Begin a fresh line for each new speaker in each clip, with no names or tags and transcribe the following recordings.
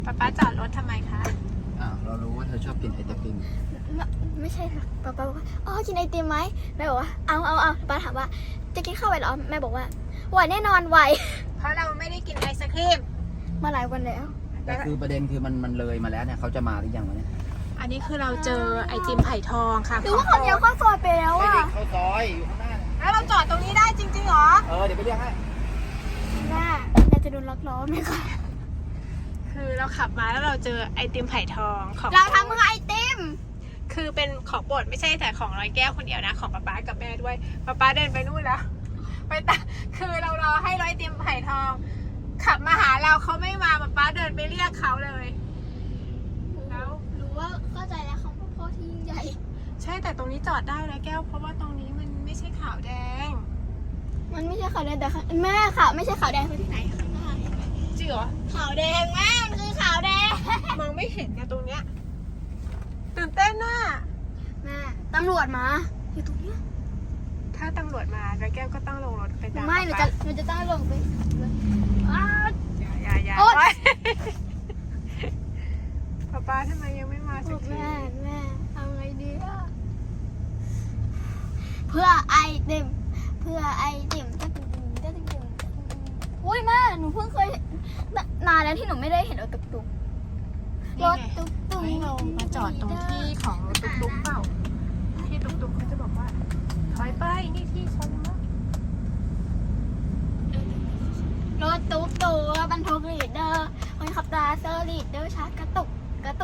ป๊าจอดรถทำไมคะ
เรารู้ว่าเธอชอบกินไอติม
ไม่ใช่ค่ะป๊าบอกว่าอ๋อกินไอติมไหมแม่บอกว่าเอาป๊าถามว่าจะกินข้าวไหวเหรอแม่บอกว่าไหวแน่นอนไหว
เพราะเราไม่ได้กินไอศครีม
มาหลายวันแล้ว
แต่คือประเด็นคือมันเลยมาแล้วเนี่ยเขาจะมาหรือยังวะเนี่ย
อันนี้คือเราเจอไอติมไผ่ทองค่ะ
หรือว่าคนเดียวเข้าซอยไปแล้ว
ไม่
อ่ะ
ได้เข้าซอยอยู่ข้างหน้า
แล้วเราจอดตรงนี้ได้จริงๆเหรอ
เดี๋ยวไปเรียกให้
แม่จะโดนล็อกล้อไหมคะ
คือเราขับมาแล้วเราเจอไอติมไผ่ทองของ
เราทำมือไอติม
คือเป็นของโปรดไม่ใช่แต่ของร้อยแก้วคนเดียวนะของป๊ากับแม่ด้วยป๊าเดินไปนู่นแล้วไปตาคือเรารอให้ร้อยไอติมไผ่ทองขับมาหาเราเขาไม่มาป๊าเดินไปเรียกเขาเลยแล้ว
รู้ว่าเข้าใจแล้วเขาพ่อที่ยิ่งใหญ่
ใช่แต่ตรงนี้จอดได้ร้อยแก้วเพราะว่าตรงนี้มันไม่ใช่ขาวแดง
มันไม่ใช่ขาวแดงแต่แม่ขาวไม่ใช่ขาวแดงคือที่ไหนข้างหน้า
จริงเหรอ
ขาวแดงแม่มันคือขาวแดง
มองไม่เห็นนะตรงเนี้ยตื่นเต้นน่ะ
แม่ตำรวจมาอยู่ตรงเนี้ย
ถ้าตำรวจมาร้อยแก้วก็ต้องลงรถไปตาม
ไม่หนูจะต้องลงไป
อย่าป๊าทำไมยังไม่มาสักที
แม่เอาไงดีอะเพื่อไอติมอุ้ยแม่หนูเพิ่งเคยนานแล้วที่หนูไม่ได้เห็นรถตุ๊กรถตุ๊ก
ให้เรามาจอดตรงที่ของรถตุ๊กเปล่าที่ตุ๊กเขาจะบอกว่าถอยไปนี่ที่ฉันนะ
รถตุ๊กบรรทุกลีดเดอร์คนขับตาเซอร์ลีดเดอร์ชาร์จกระตุกแม่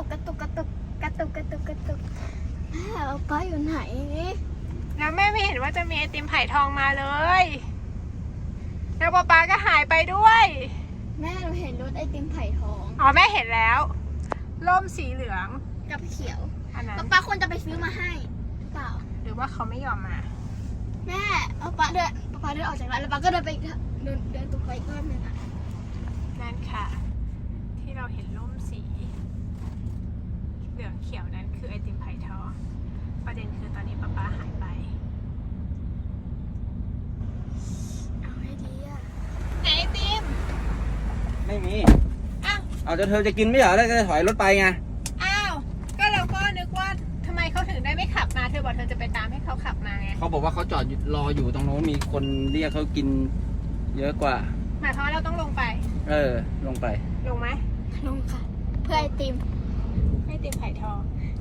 เอาป้าอยู่ไหน
แล้วแม่ไม่เห็นว่าจะมีไอติมไผ่ทองมาเลยแล้วป๊าก็หายไปด้วย
แม่เราเห็นรถไอติมไผ่ทอง
แม่เห็นแล้วร่มสีเหลือง
กับเขียว
อันนั้น
ป๊าควรจะไปซื้อมาให้เปล่า
หรือว่าเขาไม่ยอมมา
แม่ป๊าเดินออกจากร้านแล้วป๊าก็เดินไปเดินตุ๊กไปอีกรอบนึงอ่ะ
นั่นค่ะที่เราเห็นร่มสีเหลืองเขียวนั้นคือไอติมไผ่ทองประเด็นคือตอนนี้ป๊าหายไป
เอาให้ดีอ่ะ
ไหนไอติม
ไม่มีเอาเธอจะกินไม่เหรอแล้วจะถอยรถไปไง
ก็เราก็นึกว่าทำไมเขาถึงได้ไม่ขับมาเธอบอกเธอจะไปตามให้เขาขับมาไง
เขาบอกว่าเขาจอดรออยู่ตรงโน้นมีคนเรียกเขากินเยอะกว่า
หมายความว่าเราต้องลงไป
ลงไป
ลงไหม
ลงค่ะเพื่อไอติม
ไผ่ทอง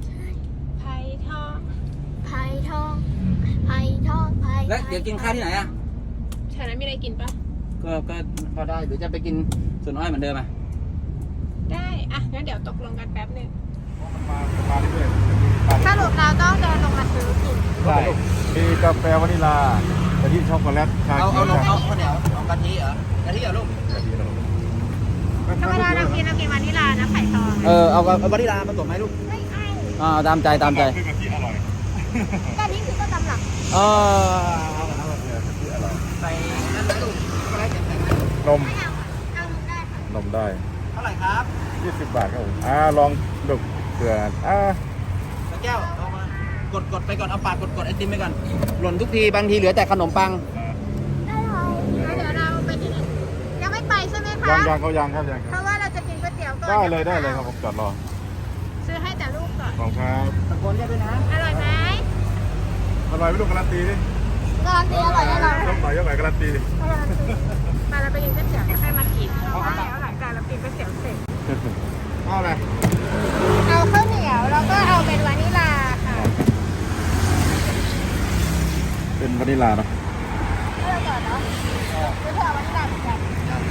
แล้วเดี๋ยวกินข้าวที่ไหนอะ
แถวนั้นมีอะไรกินปะ
ก็พอได้หรือจะไปกินสวนอ้อยเหมือนเดิมอะ
ได้งั้นเดี๋ยวตกลงกันแป๊บนึง
มาเรื่อย
สรุปเราต้องเดินลงมาซื้อกิน
ใช่มีกาแฟวานิลากะทิช็อกโกแลตชาเขียว
เอาข้าวเหนียวเอากะทิเหรอลูก
กะทิเรา
ธรรมดาเรากินวานิลานะไผ่ทอง
เอาวานิลาผสมไหมลูกไม่ตามใจ
กะทิอร่อย
กะทิคือต้นตำรับ
เอากะทิอร่อย
ใส่นั่นไหมลูก
นมได้
เท่าไหร่ครับ
20 บาทครับผมลองดูเผื่อ
แก้วเอามากดไปก่อนเอาปากกดไอติมไปก่อนหล่นทุกทีบางทีเหลือแต่ขนมปัง
ได้เลย
เดี๋ยวเราไปที่นี่ยังไม่ไปใช่ไหมคะ
ยังครับ
เพราะว่าเราจะกินก๋วยเตี๋ยวก่อน
ได้เลยครับผมจอดรอ
ซื้อให้แต่ลูกก่อน
ขอบคุณครับ
ตะโกนเรียกด้วยนะ
อร่อยไหม
ไม่รู้การันตีดิ
การันตีอร่อยแน่นอน
ยกหน่อยการันตีดิ
มาเราไปกินก๋วยเตี๋ยวก็ให้มากินเพราะว่าแล้วหลังจากเรากินก๋วยเตี๋ยวเสร็จ
เอาอะไร
เอาข้าวเหนียวแล้วก็เอาเป็นวานิลาค่ะ
เป็นวานิลาเนาะ
เอาก่อนเนาะคือเธอวานิลาเหมือนกัน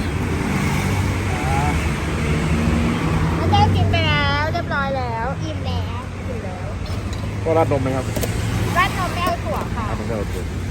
แล้วได้กินไปแล้วเรียบร้อยแล้วอิ่มแล้ว
ก็ราดนมไหมครับ
ราดนมไม่เอาถั่วค่ะ
ไม่เอาถั่ว